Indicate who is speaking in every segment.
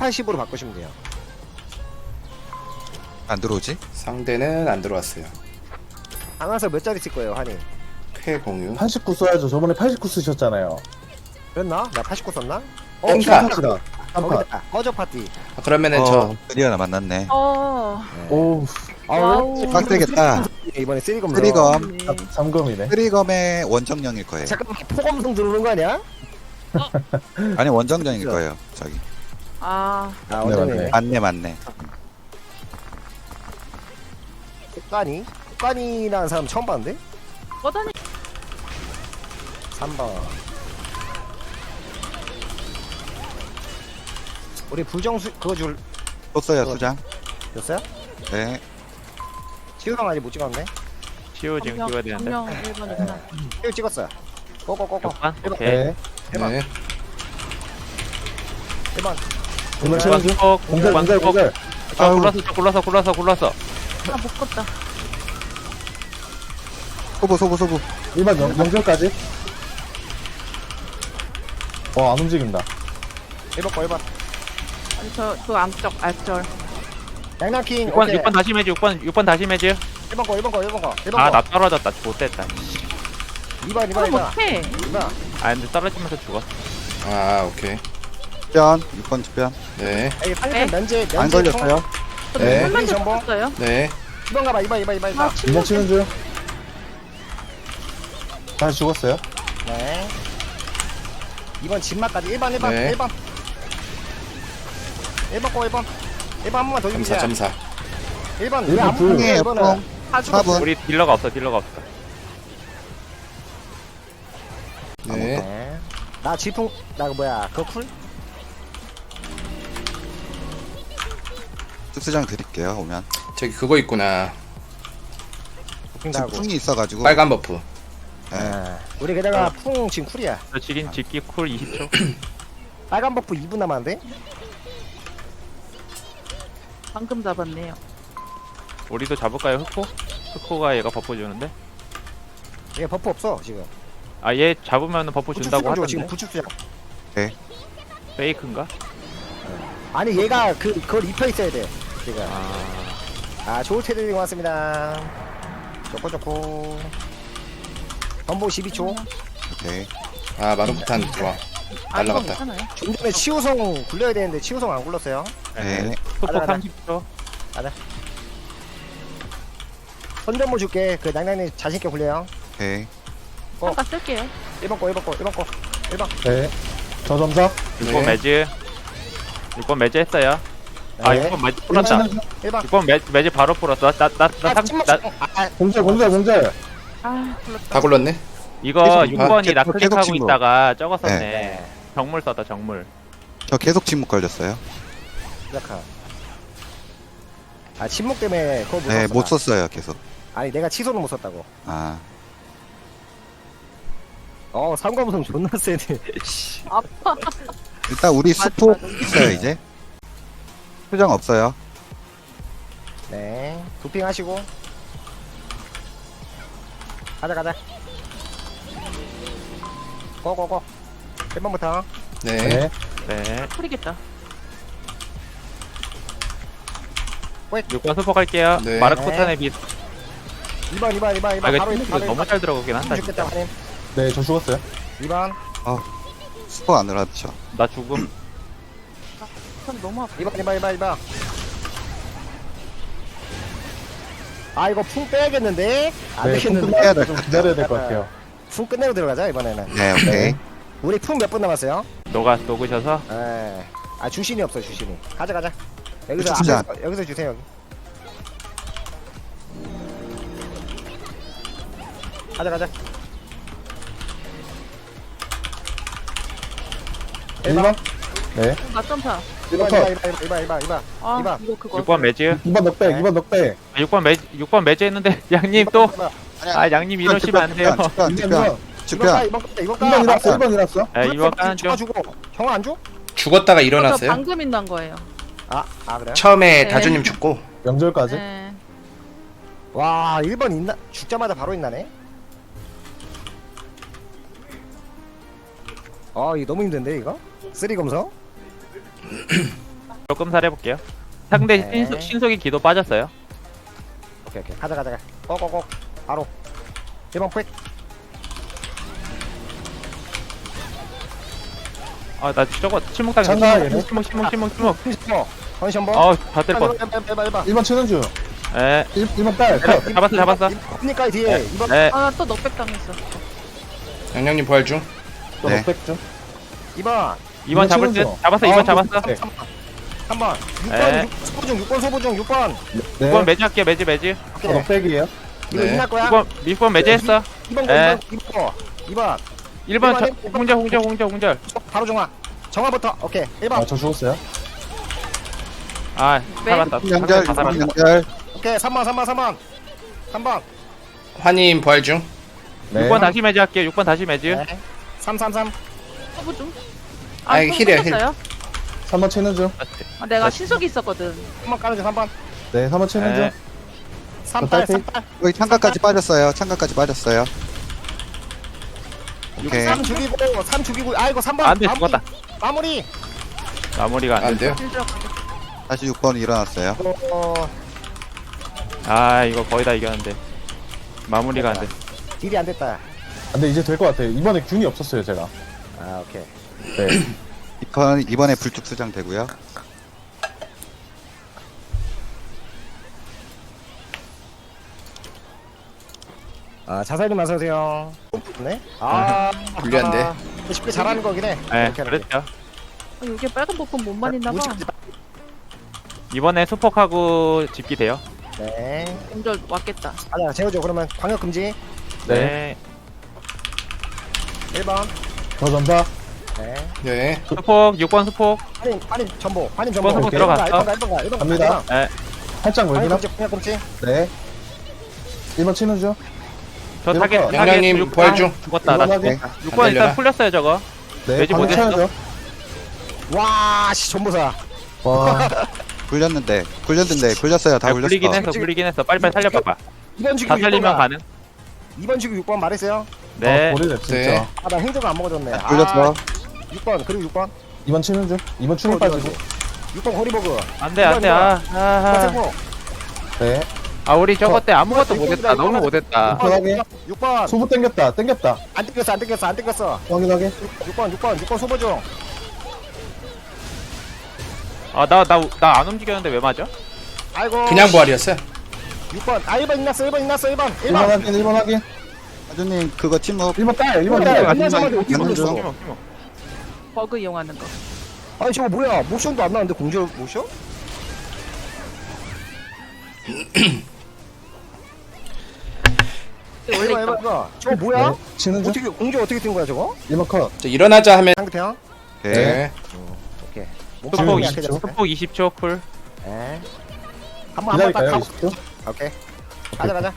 Speaker 1: 80으로 바꾸시면 돼요.
Speaker 2: 안 들어오지?
Speaker 3: 상대는 안 들어왔어요.
Speaker 1: 강화서 몇 자리 쓸 거예요, 한이?
Speaker 3: 쾌 공유.
Speaker 4: 89 써야죠. 저번에 89 쓰셨잖아요.
Speaker 1: 그랬나? 나 89 썼나?
Speaker 3: 땡카.
Speaker 4: 합시다. 한판.
Speaker 1: 거기다. 꺼져 파티.
Speaker 3: 그러면은 저
Speaker 2: 드리아나 만났네.
Speaker 4: 오,
Speaker 1: 아,
Speaker 2: 빡세겠다.
Speaker 1: 이번에 쓰리검.
Speaker 2: 쓰리검.
Speaker 4: 3검이네.
Speaker 2: 쓰리검의 원정령일 거예요.
Speaker 1: 잠깐만, 포검성 들어오는 거 아니야?
Speaker 2: 아니 원정령일 거예요. 저기.
Speaker 1: 아,
Speaker 4: 네,
Speaker 1: 어쩌네.
Speaker 2: 맞네 맞네.
Speaker 1: 꽃가니? 꽃가니라는 사람 처음 봤는데?
Speaker 5: 꺼다니
Speaker 1: 3번. 우리 불정수, 그거
Speaker 2: 떴어요 수장.
Speaker 1: 줬어요?
Speaker 2: 네.
Speaker 1: 치우성 아직 못 찍었네?
Speaker 6: 치우 지금 찍어야 되는데.
Speaker 5: 분명 1번이구나.
Speaker 1: 치우 찍었어요. 꼬꼬꼬꼬.
Speaker 6: 6번? 오케이.
Speaker 4: 네.
Speaker 1: 대박.
Speaker 3: 네.
Speaker 1: 1번.
Speaker 4: 오늘
Speaker 6: 번
Speaker 4: 최현주.
Speaker 6: 꼭,
Speaker 4: 공절,
Speaker 6: 번
Speaker 4: 공절,
Speaker 6: 꼭.
Speaker 4: 공절.
Speaker 6: 아, 굴렀어.
Speaker 5: 아, 못 껐다.
Speaker 2: 소부.
Speaker 4: 1번 영절까지. 안 움직인다.
Speaker 1: 1번 거 1번.
Speaker 5: 아니, 그 앞쪽, 앞절.
Speaker 1: 양양킹.
Speaker 6: 6번 다시 매즈, 6번 다시 매즈.
Speaker 1: 1번 거 1번 거 1번 거. 1번
Speaker 6: 아,
Speaker 1: 거.
Speaker 6: 나 떨어졌다. 못됐다.
Speaker 1: 2번 2번
Speaker 5: 그럼
Speaker 1: 2번.
Speaker 5: 못해.
Speaker 1: 2번.
Speaker 6: 아, 근데 떨어지면서 죽었어.
Speaker 3: 아 오케이.
Speaker 2: 특변 6번 특변.
Speaker 3: 네.
Speaker 1: 에이, 상대 면제
Speaker 2: 안 걸렸어요.
Speaker 5: 저도
Speaker 3: 네.
Speaker 5: 한번도
Speaker 1: 전보.
Speaker 5: 썼어요.
Speaker 3: 네.
Speaker 1: 2번 가봐 2번.
Speaker 5: 아,
Speaker 4: 2번 치는 중. 다시 죽었어요.
Speaker 1: 네. 2번 진마까지 1번
Speaker 3: 네.
Speaker 1: 1번 1번 거 1번 한 번만 더
Speaker 3: 점사
Speaker 1: 주세요.
Speaker 3: 점사.
Speaker 1: 1번
Speaker 4: 일번
Speaker 1: 왜안
Speaker 4: 둘.
Speaker 1: 붙냐
Speaker 2: 풍이에요
Speaker 1: 1번은.
Speaker 2: 풍.
Speaker 5: 다 죽었어.
Speaker 2: 4분.
Speaker 6: 우리 딜러가 없어.
Speaker 3: 네.
Speaker 1: 네. 나 지풍 나 뭐야 그거 쿨?
Speaker 2: 특수장 드릴게요 오면.
Speaker 3: 저기 그거 있구나.
Speaker 1: 부킹
Speaker 2: 지금
Speaker 1: 나고.
Speaker 2: 풍이 있어가지고.
Speaker 3: 빨간 버프.
Speaker 2: 네.
Speaker 1: 우리 게다가 풍 지금 쿨이야.
Speaker 6: 저 지긴 짓기 쿨 20초.
Speaker 1: 빨간 버프 2분 남았는데?
Speaker 5: 방금 잡았네요.
Speaker 6: 우리도 잡을까요, 흑호? 흑호가 얘가 버프 주는데?
Speaker 1: 얘 버프 없어 지금.
Speaker 6: 아, 얘 잡으면 버프 준다고
Speaker 1: 부축수장 줘 지금
Speaker 6: 하던데?
Speaker 1: 부축수장.
Speaker 6: 페이크인가?
Speaker 1: 아니 얘가 그걸 입혀 있어야 돼. 지금.
Speaker 6: 아,
Speaker 1: 아 좋을 테드링 왔습니다. 좋고. 전보 12초.
Speaker 2: 오케이.
Speaker 3: 아 마루폭탄 들어와.
Speaker 5: 아, 이거
Speaker 3: 날라갔다.
Speaker 5: 괜찮아요.
Speaker 1: 좀 전에 치우성 굴려야 되는데 치우성 안 굴렀어요.
Speaker 2: 네.
Speaker 6: 흑호
Speaker 1: 가자.
Speaker 6: 30초.
Speaker 1: 선전보 줄게. 그 낭낭님 자신있게 굴려요.
Speaker 2: 오케이.
Speaker 5: 잠깐 쓸게요.
Speaker 1: 1번 거 1번.
Speaker 4: 네. 저 점사.
Speaker 6: 6번
Speaker 3: 네.
Speaker 6: 매즈. 6번 매즈 했어요. 아,
Speaker 1: 네.
Speaker 6: 6번 매즈 풀었다.
Speaker 1: 1번.
Speaker 6: 6번 매즈 바로 풀었어.
Speaker 4: 공절.
Speaker 5: 아, 불렀다.
Speaker 3: 다 굴렀네.
Speaker 6: 이거
Speaker 2: 계속
Speaker 6: 6번이
Speaker 2: 계속
Speaker 6: 나 클릭하고
Speaker 2: 침묵.
Speaker 6: 있다가 적었었네.
Speaker 1: 네.
Speaker 6: 정물 썼다, 정물.
Speaker 2: 저 계속 침묵 걸렸어요.
Speaker 1: 약간. 아 침묵 때문에 그거 못
Speaker 2: 네,
Speaker 1: 썼어.
Speaker 2: 못 썼어요 계속.
Speaker 1: 아니 내가 취소는 못 썼다고.
Speaker 2: 아,
Speaker 1: 상검성 존나 세네.
Speaker 5: 아파.
Speaker 2: 일단 우리 수폭
Speaker 5: 맞아.
Speaker 2: 있어요 이제. 수장 없어요.
Speaker 1: 네. 도핑 하시고. 가자. 고고고. 1번부터.
Speaker 3: 네.
Speaker 4: 네.
Speaker 6: 네.
Speaker 5: 풀리겠다.
Speaker 6: 6번 소폭 할게요.
Speaker 3: 네.
Speaker 6: 마르크 포탄의 빛.
Speaker 1: 2번.
Speaker 6: 아, 이거
Speaker 1: 바로
Speaker 6: 팀이 너무 잘 들어가긴 한다,
Speaker 1: 죽겠다
Speaker 6: 진짜.
Speaker 1: 확인.
Speaker 4: 네, 저 죽었어요.
Speaker 1: 2번.
Speaker 2: 수폭 안 늘어나죠.
Speaker 6: 나 죽음.
Speaker 5: 전 너무 아파.
Speaker 1: 2번. 아 이거 풍 빼야겠는데? 안
Speaker 4: 네,
Speaker 1: 되겠는데?
Speaker 2: 빼야 될
Speaker 4: 좀
Speaker 2: 것
Speaker 4: 기다려야 될 것 같아요.
Speaker 1: 풍 끝내고 들어가자 이번에는.
Speaker 2: 네, 오케이.
Speaker 1: 우리 풍 몇 분 남았어요?
Speaker 6: 녹으셔서.
Speaker 1: 에. 아 주신이 없어 주신이. 가자. 여기서
Speaker 2: 주시자.
Speaker 1: 여기서 주세요 여기. 가자.
Speaker 4: 1번. 네.
Speaker 5: 맞점사.
Speaker 4: 1번 컷.
Speaker 1: 2번.
Speaker 5: 아,
Speaker 1: 이봐.
Speaker 5: 이거 그거.
Speaker 6: 6번 매즈.
Speaker 4: 2번 넉백. 2번 넉백.
Speaker 6: 6번 매즈 했는데, 양님 또. 아, 양님 이러시면 안 돼요.
Speaker 2: 특변.
Speaker 1: 2번
Speaker 2: 특변.
Speaker 1: 2번
Speaker 4: 일었어. 1번 일었어.
Speaker 6: 네, 2번 까는 중.
Speaker 1: 주고. 형아 안 줘?
Speaker 3: 죽었다가
Speaker 5: 저
Speaker 3: 일어났어요.
Speaker 5: 방금 있는 거예요.
Speaker 1: 아 그래요?
Speaker 3: 처음에
Speaker 5: 네.
Speaker 3: 다주님 죽고.
Speaker 4: 영절까지.
Speaker 5: 네.
Speaker 1: 와 1번 있나? 죽자마자 바로 있나네? 이거 너무 힘든데 이거? 쓰리 검성?
Speaker 6: 조금 살해볼게요. 상대
Speaker 1: 네.
Speaker 6: 신속이 기도 빠졌어요.
Speaker 1: 오케이. 가자. 꼭꼭꼭. 바로. 1번 퀵.
Speaker 6: 아, 나 저거 침묵 당했어.
Speaker 4: 장난 아니네.
Speaker 6: 침묵.
Speaker 1: 피스모. 컨디션 번.
Speaker 6: 다 때릴 뻔.
Speaker 4: 1번 치는 중.
Speaker 6: 에,
Speaker 4: 1번 딸. 컷.
Speaker 6: 잡았어.
Speaker 1: 그니까 뒤에
Speaker 6: 네.
Speaker 1: 2번.
Speaker 6: 에,
Speaker 5: 아, 또 넉백 당했어.
Speaker 3: 양양님 부활 중.
Speaker 4: 또
Speaker 2: 네.
Speaker 4: 넉백 중.
Speaker 1: 2번.
Speaker 6: 2번 잡을 듯.
Speaker 4: 치는 중.
Speaker 6: 잡았어,
Speaker 4: 아,
Speaker 6: 2번 잡았어.
Speaker 4: 네.
Speaker 1: 3번.
Speaker 6: 에.
Speaker 1: 6번 소부중 6번.
Speaker 4: 네.
Speaker 6: 6번 매지 할게요, 매지.
Speaker 4: 또 넉백이에요.
Speaker 1: 이거
Speaker 3: 네.
Speaker 1: 이날 거야?
Speaker 6: 6번 매지 했어.
Speaker 1: 2번
Speaker 6: 에.
Speaker 1: 2번.
Speaker 6: 1번 홍절.
Speaker 1: 바로 정화부터. 오케이. 1번.
Speaker 4: 아, 저 죽었어요.
Speaker 6: 아,
Speaker 5: 네.
Speaker 6: 살았다.
Speaker 2: 연결,
Speaker 6: 다 살았다.
Speaker 2: 연결.
Speaker 1: 오케이. 3번.
Speaker 3: 환희님 부활 중.
Speaker 4: 네.
Speaker 6: 6번 다시 매지 할게요. 6번 다시 매지.
Speaker 1: 네. 3.
Speaker 5: 서브 중.
Speaker 3: 아,
Speaker 5: 또
Speaker 3: 힐이에요,
Speaker 5: 끊겼어요?
Speaker 4: 3번 치는 중.
Speaker 5: 아, 내가 신속이 있었거든.
Speaker 1: 3번 까는 중 3번.
Speaker 4: 네, 3번 치는 중.
Speaker 6: 에,
Speaker 1: 38.
Speaker 4: 딸피.
Speaker 1: 38.
Speaker 2: 여기 창가까지 빠졌어요. 오케이.
Speaker 1: 3 죽이고. 아이고 3번.
Speaker 6: 안 돼, 죽었다.
Speaker 1: 마무리.
Speaker 6: 마무리가 안
Speaker 3: 안
Speaker 6: 돼.
Speaker 3: 돼요?
Speaker 5: 힐 들어가게.
Speaker 2: 다시 6번 일어났어요.
Speaker 6: 아, 이거 거의 다 이겼는데. 마무리가 안 돼.
Speaker 1: 딜이 안 됐다.
Speaker 4: 아, 근데 이제 될 것 같아요. 이번에 균이 없었어요, 제가.
Speaker 1: 아, 오케이.
Speaker 4: 네.
Speaker 2: 이번에 불축 수장 되고요.
Speaker 1: 자살님 어서 오세요. 네? 아,
Speaker 3: 불리한데.
Speaker 1: 쉽게 잘하는 거긴 해.
Speaker 6: 네,
Speaker 1: 이렇게 하는 게.
Speaker 6: 그랬죠.
Speaker 5: 아, 여기에 빨간 버튼 못만 있나 봐.
Speaker 1: 무식하지 마.
Speaker 6: 이번에 수폭하고 집기 돼요.
Speaker 1: 네.
Speaker 5: 공절 왔겠다.
Speaker 1: 아니야, 재워줘. 그러면 광역 금지.
Speaker 6: 네.
Speaker 1: 1번.
Speaker 4: 더 전사.
Speaker 1: 네.
Speaker 3: 네.
Speaker 6: 수폭, 6번 수폭.
Speaker 1: 환임 전보.
Speaker 6: 이번 선거
Speaker 4: 오케이.
Speaker 6: 들어갔어.
Speaker 1: 1번 가.
Speaker 4: 갑니다. 살짝
Speaker 1: 광역
Speaker 4: 외기나?
Speaker 1: 금지, 광역 금지.
Speaker 4: 네. 1번 치는 중.
Speaker 6: 저
Speaker 4: 이번
Speaker 6: 타겟,
Speaker 4: 거.
Speaker 3: 양양님 부활 중.
Speaker 6: 죽었다. 나
Speaker 4: 이번 하게.
Speaker 6: 죽었다.
Speaker 3: 안
Speaker 6: 6번 일단
Speaker 3: 되려나?
Speaker 6: 풀렸어요, 저거.
Speaker 4: 네,
Speaker 6: 매지
Speaker 4: 방금
Speaker 6: 못했어.
Speaker 4: 쳐야죠.
Speaker 1: 와, 씨, 전보사.
Speaker 4: 와,
Speaker 2: 굴렸어요. 다
Speaker 6: 아,
Speaker 2: 굴렸어.
Speaker 6: 굴리긴 했어. 빨리빨리 살려봐봐.
Speaker 1: 2번 죽이고
Speaker 6: 다 살리면
Speaker 1: 6번
Speaker 6: 가능.
Speaker 1: 2번 죽이고 6번 말했어요.
Speaker 6: 네.
Speaker 4: 고리네, 진짜.
Speaker 3: 네.
Speaker 1: 아, 나 행정을 안 먹어줬네.
Speaker 2: 굴렸어.
Speaker 1: 6번, 그리고 6번.
Speaker 4: 2번 치는 중. 2번 충이 빠지고.
Speaker 1: 6번 호리버그.
Speaker 6: 안 돼, 안 돼.
Speaker 1: 세포.
Speaker 4: 네.
Speaker 6: 아, 우리 저거 때 아무것도
Speaker 1: 이거
Speaker 6: 못했다.
Speaker 1: 이거
Speaker 6: 너무
Speaker 1: 이거
Speaker 6: 못했다.
Speaker 4: 편하게.
Speaker 1: 6번.
Speaker 4: 소부 땡겼다.
Speaker 1: 안 뜯겼어.
Speaker 4: 확인하게.
Speaker 1: 6번 소보 중.
Speaker 6: 아, 나 안 움직였는데 왜 맞아?
Speaker 1: 아이고.
Speaker 3: 그냥 부활이었어요.
Speaker 1: 6번. 아, 1번 인났어. 1번.
Speaker 4: 1번 확인, 1번 확인.
Speaker 2: 아주님, 그거 침묵.
Speaker 4: 1번 딸, 1번
Speaker 1: 네,
Speaker 4: 딸.
Speaker 1: 네. 인나자마자 어떻게
Speaker 2: 맞는
Speaker 1: 걸렸어?
Speaker 2: 중.
Speaker 5: 버그 이용하는 거.
Speaker 1: 아니, 저거 뭐야? 모션도 안 나왔는데, 공절 모션?
Speaker 5: 원래 있던
Speaker 1: 해봐. 저거 뭐야?
Speaker 4: 네. 치는 중.
Speaker 1: 어떻게, 공절 어떻게 된 거야, 저거?
Speaker 4: 1번 컷.
Speaker 3: 자, 일어나자 하면.
Speaker 1: 상태형?
Speaker 2: 오케이.
Speaker 3: 네.
Speaker 1: 오케이.
Speaker 6: 수폭
Speaker 4: 지금
Speaker 6: 20초. 수폭 20초 쿨.
Speaker 1: 네. 한번
Speaker 4: 기다릴까요,
Speaker 1: 딱
Speaker 4: 20초?
Speaker 1: 오케이. 가자.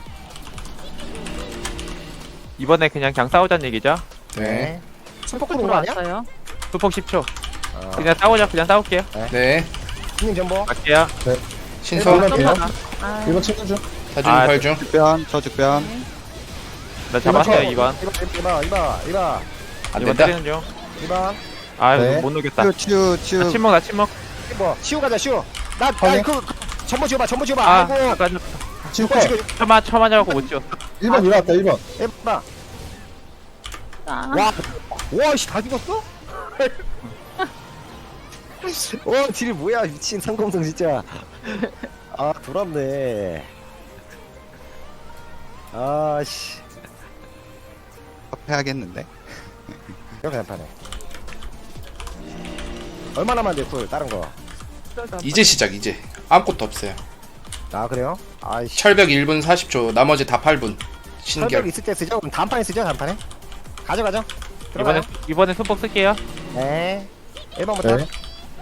Speaker 6: 이번에 그냥 싸우자는 얘기죠.
Speaker 3: 네.
Speaker 1: 손폭 들어온 거 아니야?
Speaker 5: 들어왔어요.
Speaker 6: 수폭 10초.
Speaker 1: 어.
Speaker 6: 그냥 싸울게요.
Speaker 3: 네.
Speaker 1: 신님 전보.
Speaker 6: 갈게요.
Speaker 3: 신속.
Speaker 4: 일번 돼요?
Speaker 5: 점사가. 아,
Speaker 4: 1번 치는 중.
Speaker 3: 사준
Speaker 6: 아,
Speaker 3: 부활 중.
Speaker 2: 저 죽변.
Speaker 6: 나 잡았어요, 2번.
Speaker 1: 2번.
Speaker 3: 안
Speaker 6: 2번
Speaker 3: 된다.
Speaker 6: 때리는 중.
Speaker 1: 2번.
Speaker 6: 아,
Speaker 4: 네.
Speaker 6: 못 녹였다.
Speaker 2: 치우.
Speaker 6: 나 침묵.
Speaker 1: 뭐, 시우 가자, 시우. 나,
Speaker 4: 확인.
Speaker 1: 전보 지워봐.
Speaker 6: 아,
Speaker 1: 아이고.
Speaker 6: 잠깐.
Speaker 4: 치우 컷.
Speaker 6: 처마 잡고 못 지웠어.
Speaker 4: 1번 일어났다, 1번.
Speaker 1: 해봐.
Speaker 5: 아,
Speaker 1: 와, 씨, 다 죽었어? 딜이 뭐야, 미친 상검성 진짜. 아, 돌았네. 아, 씨.
Speaker 2: 해야겠는데.
Speaker 1: 이거 그냥 파네. 얼마 남았는데, 쿨, 다른 거.
Speaker 3: 이제 시작, 이제. 아무것도 없어요.
Speaker 1: 아, 그래요? 아이씨.
Speaker 3: 철벽 1분 40초, 나머지 다 8분.
Speaker 1: 철벽
Speaker 3: 신결.
Speaker 1: 있을 때 쓰죠? 그럼 단판에 쓰죠, 단판에? 가져.
Speaker 6: 이번에 수폭 쓸게요.
Speaker 1: 네. 1번부터.
Speaker 4: 네.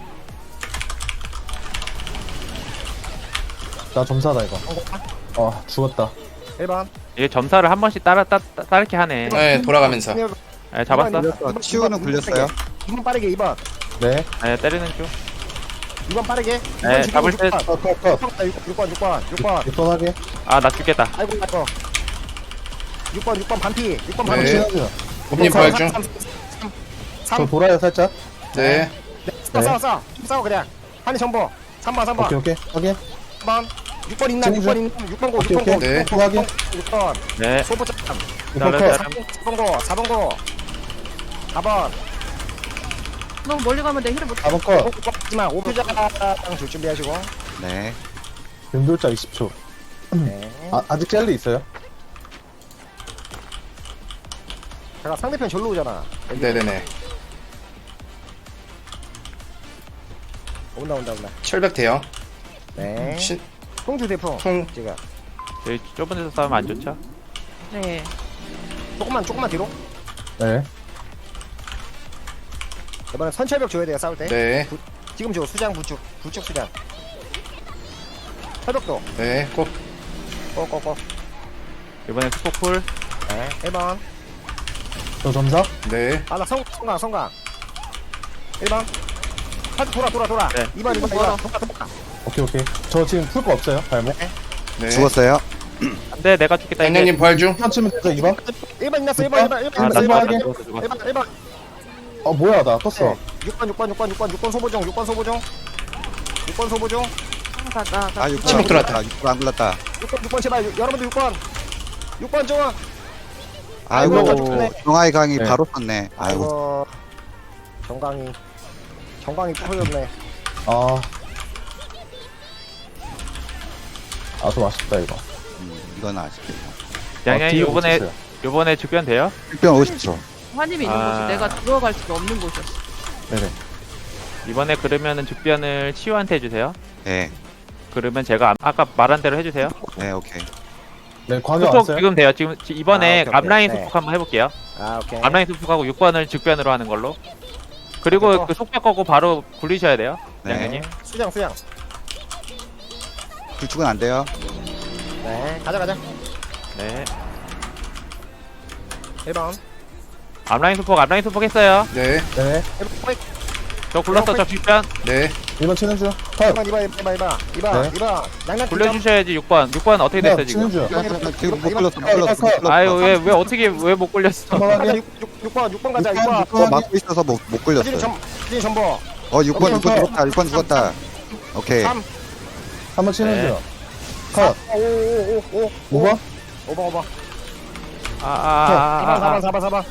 Speaker 4: 나 점사다, 이거. 죽었다.
Speaker 1: 1번.
Speaker 6: 이게 점사를 한 번씩 따르게 하네.
Speaker 3: 네, 돌아가면서.
Speaker 6: 네, 잡았어.
Speaker 2: 치우는 굴렸어요.
Speaker 1: 2번 빠르게, 2번.
Speaker 4: 네.
Speaker 6: 네, 때리는 중.
Speaker 1: 2번 빠르게.
Speaker 6: 네, 잡을 때.
Speaker 4: 컷, 컷, 컷.
Speaker 1: 6번.
Speaker 4: 6번 하게.
Speaker 6: 아, 나 죽겠다.
Speaker 1: 아이고, 6번 반피. 6번
Speaker 3: 네.
Speaker 1: 반피.
Speaker 4: 치는 중.
Speaker 3: 곰님 부활 중.
Speaker 4: 저 돌아요, 살짝.
Speaker 3: 네.
Speaker 1: 싸워 그냥. 한이 전보 3번 3번
Speaker 4: 오케이 오케이 확인
Speaker 1: 3번 6번 있나
Speaker 4: 지금
Speaker 1: 6번 있나 6번 고
Speaker 4: 오케이,
Speaker 1: 6번 고
Speaker 4: 오케이.
Speaker 3: 네.
Speaker 1: 6번
Speaker 6: 네.
Speaker 1: 소보 짬
Speaker 4: 이거
Speaker 6: 자,
Speaker 4: 컷
Speaker 6: 자,
Speaker 1: 4번 고 4번 고 4번
Speaker 5: 너무 멀리 가면 내 힐을 못.
Speaker 4: 4번 컷
Speaker 1: 하지만 5표장 줄 준비하시고
Speaker 2: 네.
Speaker 4: 균돌자 20초
Speaker 1: 네
Speaker 4: 아직 젤리 있어요?
Speaker 1: 제가 상대편 절로 오잖아 여기.
Speaker 3: 네네네.
Speaker 1: 온다
Speaker 3: 철벽 돼요.
Speaker 1: 네
Speaker 3: 신,
Speaker 1: 통주 대풍
Speaker 3: 통.
Speaker 1: 제가
Speaker 6: 저희 좁은 데서 싸우면 안 좋죠?
Speaker 5: 네.
Speaker 1: 조금만 뒤로
Speaker 4: 네
Speaker 1: 이번엔 선철벽 줘야 돼요 싸울 때
Speaker 3: 네.
Speaker 1: 지금 줘 수장 불축 수장 철벽도
Speaker 3: 네. 고.
Speaker 1: 꼬꼬꼬
Speaker 6: 이번엔 스포풀.
Speaker 1: 네 1번
Speaker 4: 저 점사
Speaker 3: 네.
Speaker 1: 아나 성강 1번 하트 돌아
Speaker 6: 네.
Speaker 1: 2번 돌아
Speaker 4: 오케이 저 지금 풀 거 없어요 발목
Speaker 3: 네.
Speaker 2: 죽었어요.
Speaker 6: 안돼 내가 죽겠다 이제.
Speaker 3: 양양님 부활 중.
Speaker 4: 1번 치면 되죠 2번?
Speaker 1: 1번 있났어 1번
Speaker 6: 아, 나
Speaker 1: 1번
Speaker 6: 죽었다
Speaker 1: 1번
Speaker 6: 죽었어 죽었어.
Speaker 1: 1번
Speaker 4: 뭐야 나 떴어
Speaker 1: 6번 소보종 6번 소보종
Speaker 3: 아,
Speaker 2: 6번
Speaker 3: 침묵 들어왔다.
Speaker 2: 6번 안 굴렀다.
Speaker 1: 6번 제발 여러분들 6번 좀
Speaker 2: 아이고, 정아이 강이
Speaker 4: 네.
Speaker 2: 바로 썼네.
Speaker 1: 아이고
Speaker 2: 아이고,
Speaker 1: 정강이 풀어졌네
Speaker 4: 좀 아쉽다 이거
Speaker 2: 이건 아쉽겠다.
Speaker 6: 양양이
Speaker 4: 뒤에
Speaker 6: 요번에
Speaker 4: 못
Speaker 6: 요번에 죽변 돼요?
Speaker 2: 6병 50초.
Speaker 5: 화님이 있는
Speaker 6: 아.
Speaker 5: 곳이 내가 들어갈 수가 없는 곳이었어.
Speaker 4: 네네
Speaker 6: 이번에 그러면은 죽변을 치유한테 해주세요.
Speaker 2: 네,
Speaker 6: 그러면 제가 아까 말한 대로 해주세요.
Speaker 2: 네, 오케이.
Speaker 4: 네 광역
Speaker 6: 소폭
Speaker 4: 왔어요?
Speaker 6: 지금 돼요. 지금 이번에
Speaker 1: 오케이,
Speaker 6: 앞라인
Speaker 1: 오케이.
Speaker 6: 소폭 한번 해볼게요.
Speaker 1: 오케이
Speaker 6: 앞라인 소폭하고 6번을 죽변으로 하는 걸로. 그리고
Speaker 1: 오케이.
Speaker 6: 그 속박 거고 바로 굴리셔야 돼요.
Speaker 2: 네.
Speaker 6: 양양님.
Speaker 1: 수장
Speaker 2: 불축은 안 돼요.
Speaker 1: 네 가자
Speaker 6: 네.
Speaker 1: 1번
Speaker 6: 앞라인 소폭 했어요.
Speaker 3: 네.
Speaker 4: 네
Speaker 1: 1번
Speaker 6: 저 굴렀어 저 죽변.
Speaker 3: 네.
Speaker 4: 1번 치는 중
Speaker 1: 2번 양양
Speaker 6: 굴려주셔야지 6번. 6번 어떻게 됐어요 지금?
Speaker 4: 치는 중
Speaker 2: 지금 못 굴렀어.
Speaker 6: 아유 왜 어떻게 왜 못 굴렸어?
Speaker 1: 6번 가자 6번
Speaker 2: 막고 있어서 못 굴렸어요.
Speaker 1: 수진 전보
Speaker 2: 6번 죽었다. 6번 죽었다. 오케이.
Speaker 1: 3
Speaker 4: 한번 치는
Speaker 6: 네.
Speaker 4: 중 컷 5번?
Speaker 1: 5번
Speaker 6: 아.
Speaker 1: 4번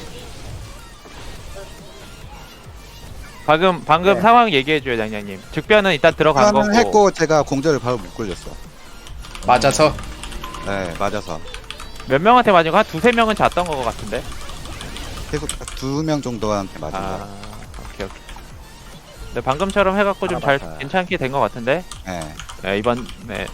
Speaker 6: 방금
Speaker 1: 네.
Speaker 6: 상황 얘기해줘요 장장님. 죽변은 일단 들어간 거고.
Speaker 2: 하는 했고 제가 공절을 바로 못 굴렸어.
Speaker 3: 맞아서.
Speaker 2: 네, 맞아서.
Speaker 6: 몇 명한테 맞은 거 한 두세 명은 잤던 거 같은데.
Speaker 2: 계속 2명 정도한테 맞은
Speaker 6: 아
Speaker 2: 거.
Speaker 6: 오케이. 근데 방금처럼 해갖고 좀 잘
Speaker 1: 맞아.
Speaker 6: 괜찮게 된 거 같은데.
Speaker 2: 네.
Speaker 6: 네, 이번 네.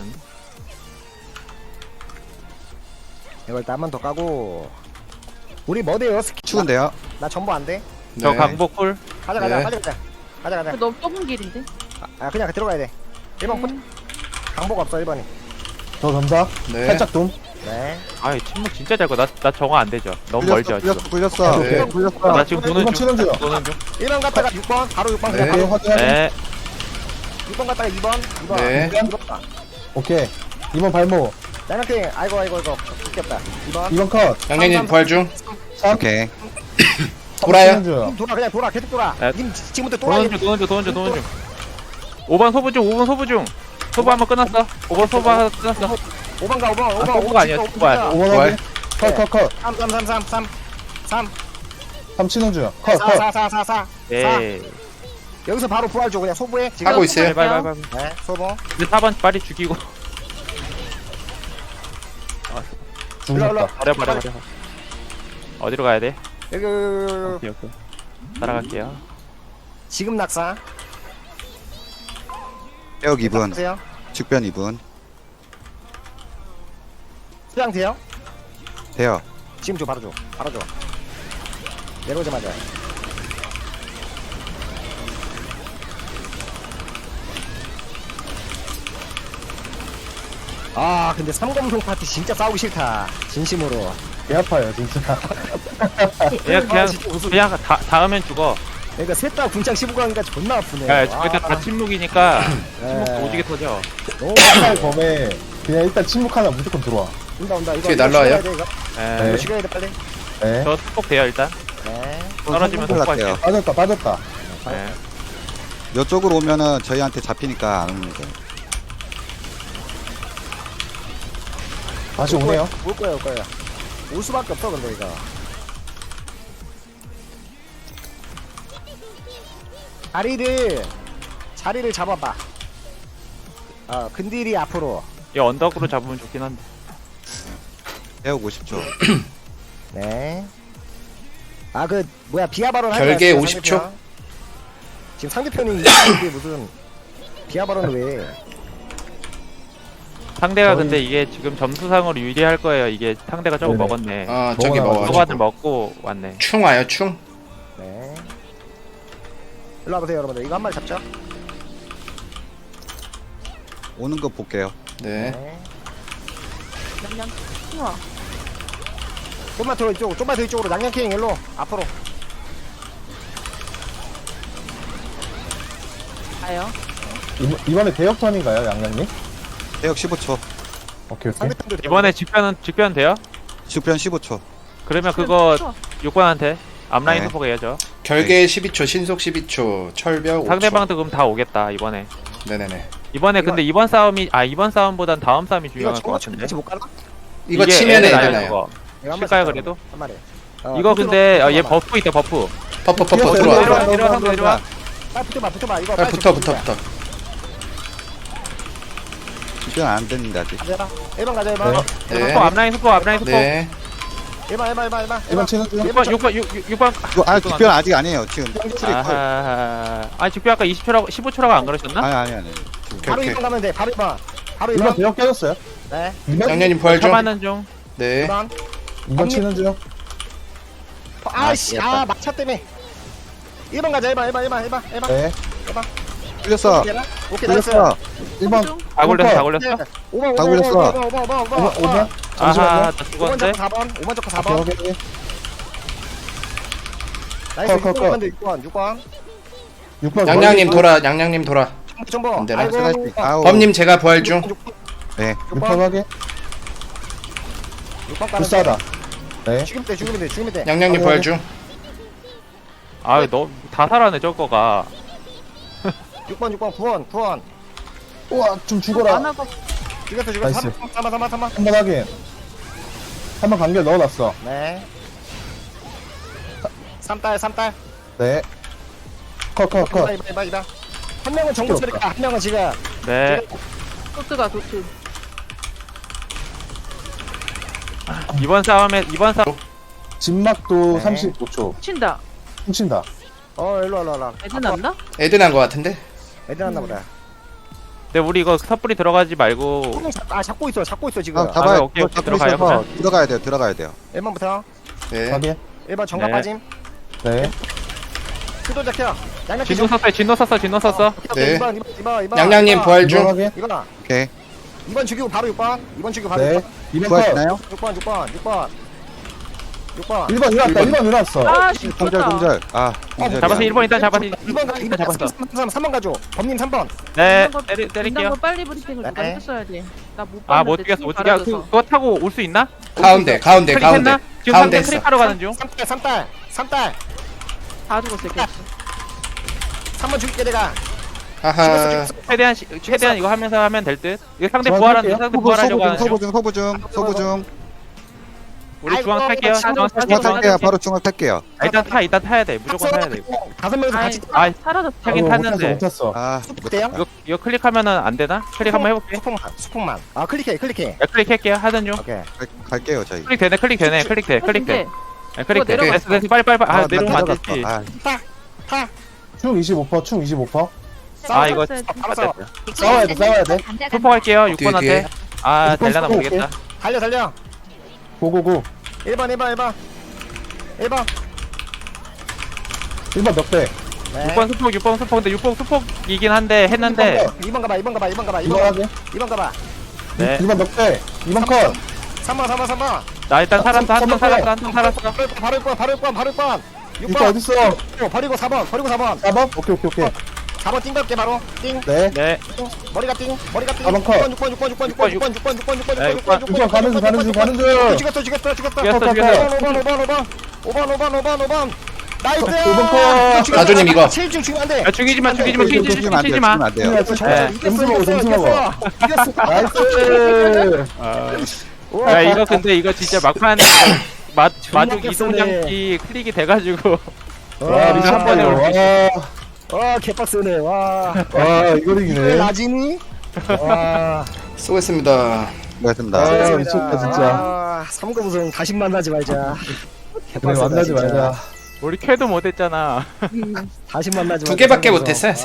Speaker 1: 이걸 일단 한 번 더 까고 우리 뭐돼요 스킬
Speaker 2: 축은데요.
Speaker 1: 나 전보 안돼
Speaker 6: 저
Speaker 3: 네.
Speaker 6: 강복 쿨.
Speaker 1: 가자
Speaker 3: 네.
Speaker 1: 빨리 가자
Speaker 5: 너무 좁은 길인데.
Speaker 1: 그냥 들어가야 돼 1번 강복 없어 1번이
Speaker 4: 저 점사
Speaker 3: 네.
Speaker 4: 살짝 둠
Speaker 1: 네
Speaker 6: 아이 침묵 진짜 잘 거. 나 정화 안 되죠. 너무 멀죠 지금.
Speaker 2: 굴렸어.
Speaker 3: 네.
Speaker 6: 나 지금 도는
Speaker 4: 이번
Speaker 6: 중.
Speaker 4: 치는 중
Speaker 6: 도는 중.
Speaker 1: 1번 갔다가 6번 바로 6번
Speaker 3: 네.
Speaker 1: 그냥
Speaker 4: 오케이
Speaker 1: 바로
Speaker 4: 확인
Speaker 6: 네.
Speaker 1: 6번 갔다가 2번
Speaker 3: 네.
Speaker 4: 오케이 2번 발목
Speaker 1: 양양팀 아이고 죽겠다 2번
Speaker 4: 2번 컷
Speaker 3: 양양님 부활 중.
Speaker 4: 3
Speaker 2: 오케이.
Speaker 3: 돌아요.
Speaker 4: 치는 중
Speaker 1: 돌아 그냥 계속 돌아
Speaker 6: 네.
Speaker 1: 님 지금부터 돌아
Speaker 6: 도는 중. 5번 소부 중. 소부 한번 끝났어. 5번 소부 하나 끝났어.
Speaker 1: 5번 가 5번
Speaker 6: 소부가 아니야, 소부야.
Speaker 4: 5번
Speaker 3: 부활.
Speaker 4: 확인 컷
Speaker 1: 3
Speaker 4: 3 치는 중컷
Speaker 1: 4
Speaker 6: 네.
Speaker 1: 여기서 바로 부활 줘 그냥 소부해 지금
Speaker 3: 하고 있어요.
Speaker 6: 빨리.
Speaker 1: 네 소부
Speaker 6: 근데 4번 빨리 죽이고.
Speaker 4: 죽었다
Speaker 6: 버려. 어디로 가야 돼?
Speaker 1: 여기
Speaker 6: 오케이. 따라갈게요.
Speaker 1: 지금 낙사
Speaker 2: 태역 2분.
Speaker 1: 보세요
Speaker 2: 축변 2분.
Speaker 1: 수장 돼요?
Speaker 2: 돼요.
Speaker 1: 지금 줘 바로 줘 내려오자마자 근데 삼검송 파티 진짜 싸우기 싫다 진심으로
Speaker 4: 개 아파요 진짜
Speaker 6: 그냥 닿으면 죽어.
Speaker 1: 그러니까 셋 다 군장 15강이니까 존나 아프네
Speaker 6: 야, 일단 다 침묵이니까 침묵
Speaker 1: 네.
Speaker 6: 오지게 터져.
Speaker 1: 너무
Speaker 4: 살 범에 그냥 일단 침묵 하나 무조건 들어와
Speaker 1: 온다 이거
Speaker 3: 뒤에 날라와요?
Speaker 1: 이거
Speaker 6: 네.
Speaker 1: 이거 죽여야 돼 빨리
Speaker 4: 네
Speaker 6: 저 수폭 돼요 일단.
Speaker 1: 네
Speaker 6: 떨어지면
Speaker 2: 성공
Speaker 6: 속박이에요.
Speaker 2: 골랐대요.
Speaker 4: 빠졌다
Speaker 6: 네.
Speaker 2: 이쪽으로 오면은 저희한테 잡히니까 안 오는 거.
Speaker 4: 다시 오네요.
Speaker 1: 올 거야 올 거야. 올 수밖에 없어 근데 이거. 자리를 잡아봐. 근딜이 앞으로.
Speaker 6: 이 언덕으로 잡으면 좋긴 한데.
Speaker 2: 태역 50초.
Speaker 1: 네. 그 뭐야 비아바론
Speaker 3: 결계
Speaker 1: 할까요,
Speaker 3: 50초?
Speaker 1: 상대편? 지금 상대편이 이게 무슨 비아바론을 왜?
Speaker 6: 상대가 근데 이게 지금 점수상으로 유리할 거예요. 이게 상대가 조금
Speaker 4: 네네.
Speaker 6: 먹었네.
Speaker 3: 저기
Speaker 4: 먹어요.
Speaker 3: 먹어.
Speaker 6: 소바들 먹고 왔네.
Speaker 3: 충 와요 충.
Speaker 1: 네. 일로 와보세요 여러분들. 이거 한 마리 잡죠?
Speaker 2: 오는 거 볼게요.
Speaker 3: 네.
Speaker 1: 네.
Speaker 5: 양양. 우와.
Speaker 1: 좀만 더 이쪽으로, 좀만 더 이쪽으로. 양양킹 일로 앞으로.
Speaker 5: 가요.
Speaker 4: 이번에 대역전인가요, 양양님?
Speaker 2: 태역 15초.
Speaker 4: 오케이.
Speaker 1: 상대편도
Speaker 6: 이번에 직변 돼요?
Speaker 2: 주변 15초.
Speaker 6: 그러면 그거
Speaker 5: 추워.
Speaker 6: 6번한테 앞라인
Speaker 2: 네.
Speaker 6: 후보가 해야죠.
Speaker 3: 결계 12초, 신속 12초, 철벽 5초.
Speaker 6: 상대방도 그럼 다 오겠다 이번에.
Speaker 3: 네네네.
Speaker 6: 이번에 근데 이번 싸움보단 다음 싸움이
Speaker 1: 이거
Speaker 6: 중요할 것
Speaker 1: 정말
Speaker 6: 같은데.
Speaker 1: 같이 못 가나?
Speaker 3: 이거
Speaker 6: 이게
Speaker 3: 치면
Speaker 6: 애들
Speaker 3: 애들
Speaker 6: 나요,
Speaker 3: 나요.
Speaker 6: 그거.
Speaker 1: 이거 한 마리
Speaker 6: 칠까요,
Speaker 1: 잡자,
Speaker 6: 그래도?
Speaker 1: 한 마리.
Speaker 6: 이거 근데 얘 버프 있다 버프.
Speaker 3: 퍼퍼
Speaker 4: 뛰었어요.
Speaker 3: 들어와.
Speaker 6: 내려와 상대 내려와.
Speaker 1: 빨리 붙어봐 이거.
Speaker 3: 빨리 붙어.
Speaker 2: 주변 안 됐는데 아직.
Speaker 1: 가자. 1번 가자 1번.
Speaker 3: 네.
Speaker 6: 후보 앞라인 후보.
Speaker 3: 네.
Speaker 1: 1번.
Speaker 4: 이번 치는 중.
Speaker 6: 6번.
Speaker 2: 이거 주변 아직 아니에요. 지금
Speaker 6: 아하. 직변 아까 20초라고 15초라고 안 그러셨나?
Speaker 2: 아니.
Speaker 1: 바로
Speaker 3: 오케이.
Speaker 1: 1번 가면 돼. 바로 1번. 바로
Speaker 4: 1번
Speaker 1: 1번.
Speaker 4: 대역 깨졌어요.
Speaker 1: 네.
Speaker 3: 양년님 부활 중.
Speaker 6: 쳐맞는 중.
Speaker 3: 네.
Speaker 1: 1번.
Speaker 4: 2번 치는 중.
Speaker 1: 아이씨. 마차 때문에. 1번 가자 1번.
Speaker 4: 네.
Speaker 2: 뚫렸어.
Speaker 1: 오케이 나이스.
Speaker 2: 뚫렸어.
Speaker 4: 1번.
Speaker 6: 다 걸렸어.
Speaker 1: 5번.
Speaker 2: 다 걸렸어.
Speaker 4: 5번.
Speaker 6: 아하,
Speaker 4: 잠시만요.
Speaker 6: 나
Speaker 1: 5번
Speaker 6: 죽었는데.
Speaker 1: 잡고 4번. 5번 잡고
Speaker 4: 오케이,
Speaker 1: 4번.
Speaker 4: 오케이.
Speaker 1: 나이스.
Speaker 4: 컷.
Speaker 1: 6번.
Speaker 4: 6번.
Speaker 3: 양양님 돌아.
Speaker 1: 정보.
Speaker 3: 안 되나?
Speaker 2: 아우.
Speaker 3: 범님 제가 부활 중.
Speaker 2: 네.
Speaker 4: 6번 확인.
Speaker 1: 6번 가는
Speaker 4: 불사다. 네.
Speaker 1: 죽이면 돼.
Speaker 3: 양양님 부활 중.
Speaker 6: 아, 너 다 살아네 저거가.
Speaker 1: 6번 9번.
Speaker 4: 우와, 좀 죽어라.
Speaker 5: 만화가
Speaker 1: 죽였어.
Speaker 4: 나이스.
Speaker 1: 3번.
Speaker 4: 3번 확인. 3번 간결 넣어놨어.
Speaker 1: 네. 3딸.
Speaker 4: 네. 컷.
Speaker 1: 이봐. 한 명은 정보 처리까. 한 명은 지금.
Speaker 6: 네.
Speaker 5: 도트가 도트.
Speaker 6: 이번 싸움
Speaker 4: 진막도
Speaker 1: 네.
Speaker 4: 35초.
Speaker 5: 친다.
Speaker 4: 훔친다.
Speaker 1: 일로 와.
Speaker 5: 애들 났나?
Speaker 3: 애드 난거 같은데.
Speaker 1: 애들 왔나 보다.
Speaker 6: 근데 우리 이거 섣불리 들어가지 말고
Speaker 1: 잡고 있어 지금.
Speaker 2: 잡아요.
Speaker 6: 오케이,
Speaker 2: 잡고
Speaker 6: 들어가요,
Speaker 2: 있어서 들어가야 돼요.
Speaker 1: 1번부터.
Speaker 3: 네.
Speaker 4: 확인.
Speaker 1: 1번 정각
Speaker 6: 네.
Speaker 1: 빠짐.
Speaker 4: 네.
Speaker 1: 수도 작혀. 양양
Speaker 6: 진노 썼어.
Speaker 3: 네.
Speaker 1: 2번.
Speaker 3: 양양님 부활
Speaker 4: 2번
Speaker 3: 중.
Speaker 4: 확인.
Speaker 1: 2번.
Speaker 2: 오케이.
Speaker 1: 2번 죽이고 바로 6번. 2번 죽이고 바로
Speaker 4: 네. 2번 컷.
Speaker 2: 구하시나요?
Speaker 1: 6번.
Speaker 4: 1번 일어났다. 1번 일어났어.
Speaker 5: 아씨 죽었다.
Speaker 2: 공절.
Speaker 6: 잡았어 1번 일단 잡았어.
Speaker 1: 2번
Speaker 6: 잡았어.
Speaker 1: 3번 가죠. 범님 3번.
Speaker 6: 네.
Speaker 5: 거
Speaker 6: 때릴게요.
Speaker 5: 빨리 브리핑을 누가
Speaker 1: 네.
Speaker 5: 해줬어야 돼. 나못
Speaker 6: 아,
Speaker 5: 봤는데
Speaker 6: 못 죽였어. 그거 타고 올 수 있나?
Speaker 3: 가운데.
Speaker 6: 클릭했나? 지금
Speaker 3: 가운데
Speaker 6: 상대
Speaker 3: 있어.
Speaker 6: 클릭하러 가는 중.
Speaker 1: 3딸.
Speaker 5: 다 죽었어. 이렇게.
Speaker 1: 3번 죽일게 내가.
Speaker 3: 하하.
Speaker 6: 최대한 이거 하면서 하면 될 듯. 이거 상대
Speaker 4: 저한테
Speaker 6: 부활하는
Speaker 4: 할게요.
Speaker 6: 상대 부활하려고 하는 중.
Speaker 2: 소부 중.
Speaker 6: 우리 중앙
Speaker 1: 아이고,
Speaker 6: 탈게요.
Speaker 1: 중앙
Speaker 6: 중앙
Speaker 2: 탈게요. 바로 중앙 탈게요.
Speaker 6: 일단 타야 돼. 무조건 타야 돼. 이거.
Speaker 1: 5명이서 같이.
Speaker 6: 아,
Speaker 5: 사라졌어.
Speaker 6: 타긴 탔는데.
Speaker 4: 못 탔어.
Speaker 1: 돼요?
Speaker 6: 이거 클릭하면은 안 되나? 클릭 한번 해볼게.
Speaker 1: 수풍만. 클릭해.
Speaker 6: 야, 클릭할게요. 하던 중.
Speaker 1: 오케이.
Speaker 2: 갈게요, 저희.
Speaker 6: 클릭 되네. 클릭 돼.
Speaker 5: 근데
Speaker 6: 클릭 돼.
Speaker 5: 내려갔어.
Speaker 6: 됐어. 빨리. 내려오면 안 되지.
Speaker 1: 타.
Speaker 4: 충 25%.
Speaker 6: 아, 이거
Speaker 1: 알았어.
Speaker 4: 싸워야 돼.
Speaker 6: 투포 갈게요.
Speaker 3: 뒤에.
Speaker 6: 6번한테. 아,
Speaker 4: 육번
Speaker 6: 될라나
Speaker 4: 투포
Speaker 6: 모르겠다.
Speaker 1: 달려.
Speaker 4: 고고고.
Speaker 1: 1번.
Speaker 4: 1번 넉 대.
Speaker 1: 네.
Speaker 6: 6번 수포. 근데 6번 수포이긴 한데 했는데.
Speaker 1: 2번 가봐.
Speaker 4: 2번
Speaker 1: 2번
Speaker 4: 확인.
Speaker 1: 가봐.
Speaker 6: 네.
Speaker 4: 2번 넉 대. 2번 컷.
Speaker 1: 3번.
Speaker 6: 나 일단 살았어. 한 턴 살았어.
Speaker 1: 바로 6번.
Speaker 4: 6번
Speaker 1: 6번.
Speaker 4: 어딨어?
Speaker 1: 버리고 4번.
Speaker 4: 4번? 오케이.
Speaker 1: 4번 띵갈게 바로. 띵.
Speaker 4: 네.
Speaker 6: 네.
Speaker 1: 머리가 띵.
Speaker 4: 4번 컷. 6번 가는 중.
Speaker 1: 죽였어.
Speaker 6: 죽였어.
Speaker 1: 5번. 나이스.
Speaker 3: 나주님 이거.
Speaker 1: 체중 주면 안 돼.
Speaker 6: 야 죽이지 마 죽이지 마
Speaker 2: 죽이면
Speaker 6: 죽이지
Speaker 2: 안 돼요.
Speaker 6: 죽이지 마.
Speaker 2: 죽이면 안 돼요.
Speaker 6: 네.
Speaker 4: 점수 먹어, 점수 먹어.
Speaker 1: 이겼어.
Speaker 4: 나이스.
Speaker 6: 야 이거 근데 이거 진짜 막판 마족
Speaker 1: 깼어네.
Speaker 6: 이동장치 클릭이 돼가지고
Speaker 4: 와,
Speaker 6: 한
Speaker 4: 미쳤다,
Speaker 6: 번에
Speaker 4: 이거.
Speaker 1: 와 개빡세네. 와.
Speaker 4: 와, 이걸 이기네.
Speaker 1: 라지니? 와.
Speaker 3: 수고했습니다.
Speaker 2: 수고하셨습니다.
Speaker 4: 아, 미쳤다, 진짜.
Speaker 1: 아, 3급 우승 다시 만나지 말자.
Speaker 4: 그래,
Speaker 1: 개빡세다,
Speaker 4: 만나지
Speaker 1: 진짜.
Speaker 4: 말자.
Speaker 6: 우리 쾌도 못했잖아.
Speaker 1: 다시 만나지 말자.
Speaker 3: 두 개밖에
Speaker 1: 삼급 우승.
Speaker 3: 못했어요.